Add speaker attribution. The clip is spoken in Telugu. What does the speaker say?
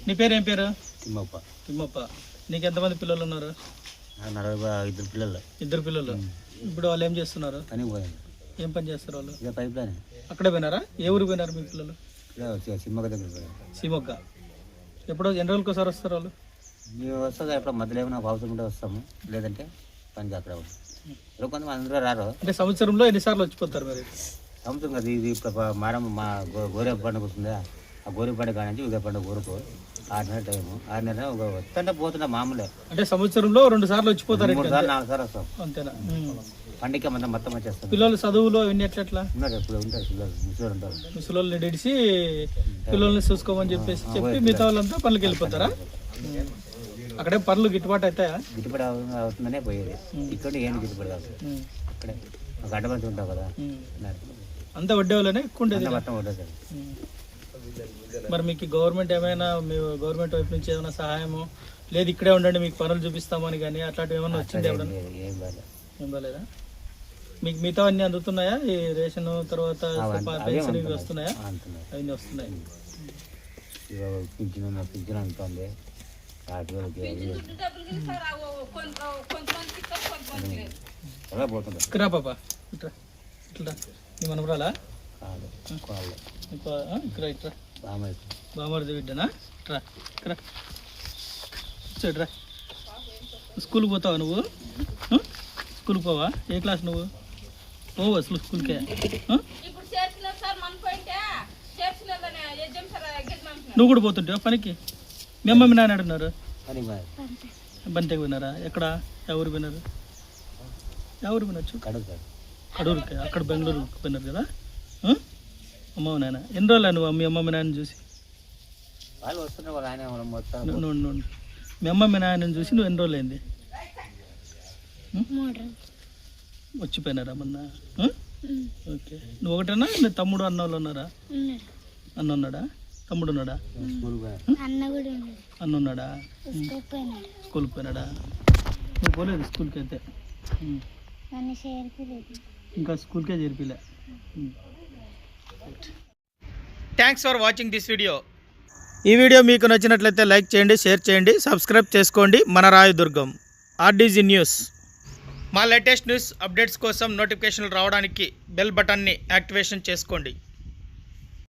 Speaker 1: నీ పేరు ఏం పేరు?
Speaker 2: తిమ్మప్ప.
Speaker 1: తిమ్మప్ప. నీకు ఎంతమంది పిల్లలు ఉన్నారు?
Speaker 2: 42 పిల్లలు.
Speaker 1: 2 పిల్లలు. ఇప్పుడు వాళ్ళు ఏం చేస్తున్నారు?
Speaker 2: పనికి పోయాను.
Speaker 1: ఏం పని చేస్తారు వాళ్ళు?
Speaker 2: ఇదే పైప్ లైన్.
Speaker 1: అక్కడే పోయినారా? ఏ ఊరికి పోయినారు మీ పిల్లలు?
Speaker 2: సిమ్మక దగ్గర పోయాను.
Speaker 1: సీమొగ్గ. ఎప్పుడో ఎన్ని రోజులకి ఒకసారి వస్తారు వాళ్ళు?
Speaker 2: మేము వస్తుంది ఎప్పుడు మధ్యలో ఏమైనా అవసరం ఉంటే వస్తాము, లేదంటే పనికి అక్కడ ఉంటాం. కొంతమంది అందరూ రారు.
Speaker 1: అంటే సంవత్సరంలో ఎన్నిసార్లు వచ్చిపోతారు మరి?
Speaker 2: సంవత్సరం కదా ఇది. ఇప్పుడు మా గోరే పండుగ వస్తుందా, ఆ గోరే పండుగ కానీ ఉదయ పండుగ ఊరుకు 6 నెలల టైము. 6 నెలలు వస్తుంటే పోతుంటే మామూలే.
Speaker 1: అంటే సంవత్సరంలో 2 సార్లు వచ్చిపోతారు?
Speaker 2: 3 సార్లు 4 సార్లు వస్తాం.
Speaker 1: అంతేనా?
Speaker 2: పండుగ మొత్తం వచ్చేస్తాం.
Speaker 1: పిల్లలు చదువులో ఇవన్నీ ఎట్లా
Speaker 2: ఉన్నారు, ఎప్పుడు ఉంటారు పిల్లలు, ముసలు ఉంటారు.
Speaker 1: ముసలోళ్ళని డిడిసి పిల్లల్ని చూసుకోమని చెప్పి మిగతా వాళ్ళంతా పనులకి వెళ్ళిపోతారా? అక్కడే పనులు గిట్టుబాటు అవుతాయా?
Speaker 2: గిట్టుబాటు అవుతుందనే పోయేది. ఇక్కడ ఏం గిట్టుబాటు కాదు. అక్కడే గడ్డ మంచి ఉంటావు కదా,
Speaker 1: అంతా వడ్డే వాళ్ళనే ఎక్కువ ఉండేది
Speaker 2: మొత్తం ఉండదు.
Speaker 1: మరి మీకు గవర్నమెంట్ ఏమైనా, మీ గవర్నమెంట్ వైపు నుంచి ఏమైనా సహాయము, లేదు ఇక్కడే ఉండండి మీకు పనులు చూపిస్తామని కానీ అట్లాంటివి ఏమైనా వచ్చింది? ఏం బాలేదా? మీకు మిగతా అన్నీ అందుతున్నాయా? ఈ రేషన్ తర్వాత పెన్షన్ ఇవి వస్తున్నాయా? అవన్నీ వస్తున్నాయి.
Speaker 2: పింఛన్ ఉంటుంది.
Speaker 1: ఇక్కడా పాప ఇట్లా ఇట్లా నీ మనవరాలా? ఇక్కడ ఇట్రా బామర్ది బిడ్డనా? ఇట్రా ఇక్కడ ఇట్రా. స్కూల్కి పోతావా నువ్వు? స్కూల్కి పోవా? ఏ క్లాస్ నువ్వు? పోవు అసలు స్కూల్కే? నువ్వు కూడా పోతుంటావా పనికి? మీ అమ్మ మీ నాన్న అడుగున్నారు బంతికి పోయినారా? ఎక్కడ? ఎవరు పోయినారు? ఎవరు పోయినచ్చు? కడూరుకి. అక్కడ బెంగళూరుకి పోయినారు కదా అమ్మ నాయన. ఎన్ని రోజులు నువ్వు మీ అమ్మ మీ నాయన చూసి? మీ అమ్మ మీ నాయనని చూసి నువ్వు ఎన్ని రోజులు అయింది? వచ్చిపోయినారా మొన్న? ఓకే. నువ్వు ఒకటేనా? నీ తమ్ముడు అన్న వాళ్ళు ఉన్నారా? అన్న ఉన్నాడా? తమ్ముడు ఉన్నాడా? అన్న ఉన్నాడా? స్కూల్కి పోయినాడా? నువ్వు పోలేదు స్కూల్కి అయితే? ఇంకా స్కూల్కే చేర్పిలే. Thanks for watching this video. ఈ వీడియో మీకు నచ్చినట్లయితే లైక్ చేయండి, షేర్ చేయండి, సబ్స్క్రైబ్ చేసుకోండి. మన రాయదుర్గం ఆర్డీజీ న్యూస్. మా లేటెస్ట్ న్యూస్ అప్డేట్స్ కోసం నోటిఫికేషన్లు రావడానికి బెల్ బటన్ని యాక్టివేషన్ చేసుకోండి.